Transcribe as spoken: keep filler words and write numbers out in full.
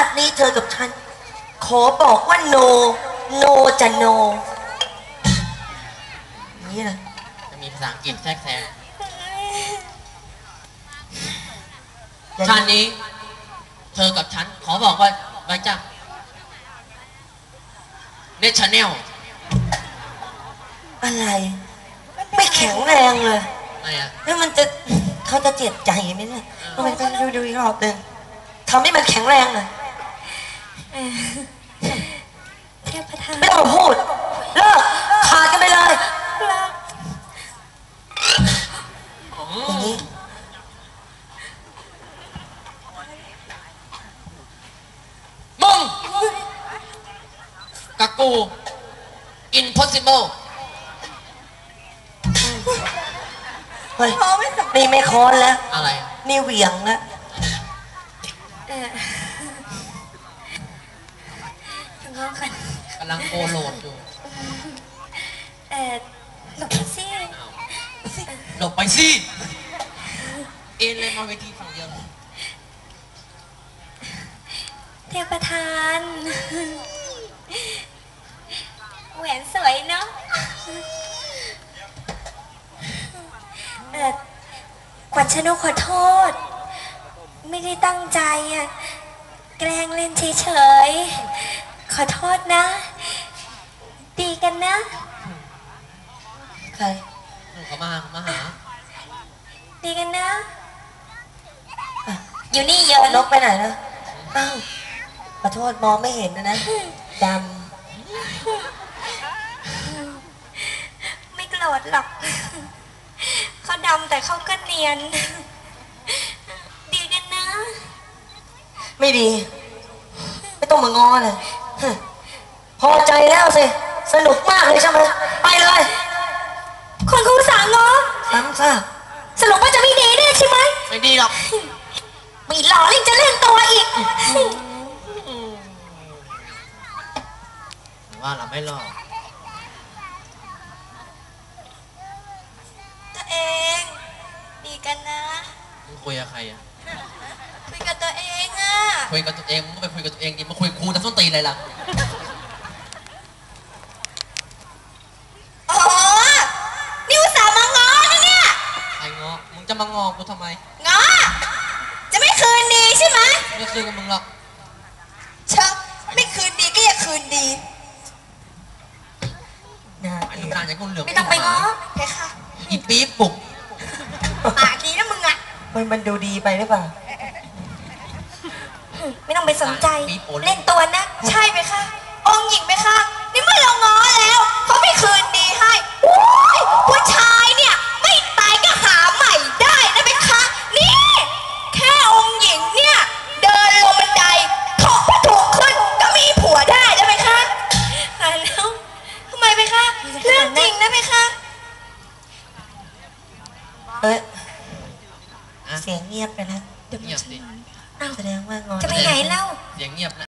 ตินี้เธอกับฉันขอบอกว่าโนโนจะโนนี่นะจะมีภาษาอังกฤษแทรกแซงชาตินี้เธอกับฉันขอบอกว่าไว้จ้ะเนชแนลอะไรไม่แข็งแรงเลยอะไรอ่ะแล้วมันจะเขาจะเจ็บใจไหมเนี่ยต้องไปดูดูอีกรอบหนึ่งทำให้มันแข็งแรงเลยเทพทานไม่ต้องพูดเลิกขาดกันไปเลยอย่างนี้มึงกับกู impossible เฮ้ยนี่ไม่ค้อนแล้วอะไรนี่เหวี่ยงแล้วกำลังโอโหลดอยู่เออหลบไปสิหลบไปสิเอ็นเลยมาเวทีฝั่งเดียวเทพทานแหวนสวยเนาะเออขวัญชนกขอโทษไม่ได้ตั้งใจอ่ะแกล้งเล่นเฉยๆขอโทษนะดีกันนะใครเขามาเขามาหาดีกันนะอยู่นี่เยอะนกไปไหนนะอ้าวขอโทษมองไม่เห็นนะนะดำไม่โกรธหรอกเขาดำแต่เขาก็เนียนดีกันนะไม่ดีไม่ต้องมางอเลยพอใจแล้วสิสนุกมากเลยใช่ไหมไปเลยคนเขาสั่งงอซ้ำซะสรุปว่าจะไม่ดีแน่ใช่ไหมไม่ดีหรอกมีหล่อเล่นจะเล่นตัวอีกว่าเราไม่หลอกตัวเองดีกันนะมึงคุยกับใครอ่ะคุยกับตัวเองอ่ะคุยกับตัวเองมึงก็ไปคุยกับตัวเองดิมาคุยกับครูจะส้นตีนอะไรล่ะอ๋อนี่อุตส่าห์มางอนะเนี่ยไอ้งอมึงจะมางอกูทำไมงอจะไม่คืนดีใช่ไหมไม่คืนกับมึงหรอกเชอะไม่คืนดีก็อย่าคืนดีไอ้ลูกตาลอย่างกูเหลืองไม่ต้องไปง้อแค่ค่ะอีปี๊บปลุกปากดีนะมึงอ่ะมันมันดูดีไปหรือเปล่าไม่ต้องไปสนใจเล่นตัวนะใช่ไหมคะองค์หญิงไหมคะนี่เมื่อเราง้อแล้วเขาไม่คืนดีให้ผู้ชายเนี่ยไม่ตายก็หาใหม่ได้นะไหมคะนี่แค่องค์หญิงเนี่ยเดินลงบันไดถกผ้าถุงขึ้นก็มีผัวได้แล้วไหมคะตายแล้วทำไมไหมคะเรื่องจริงนะไหมคะเอ๊ะเสียงเงียบไปแล้วเงียบสิแสดงว่างอนจะไปไหนเล่าเสียงเงียบนะ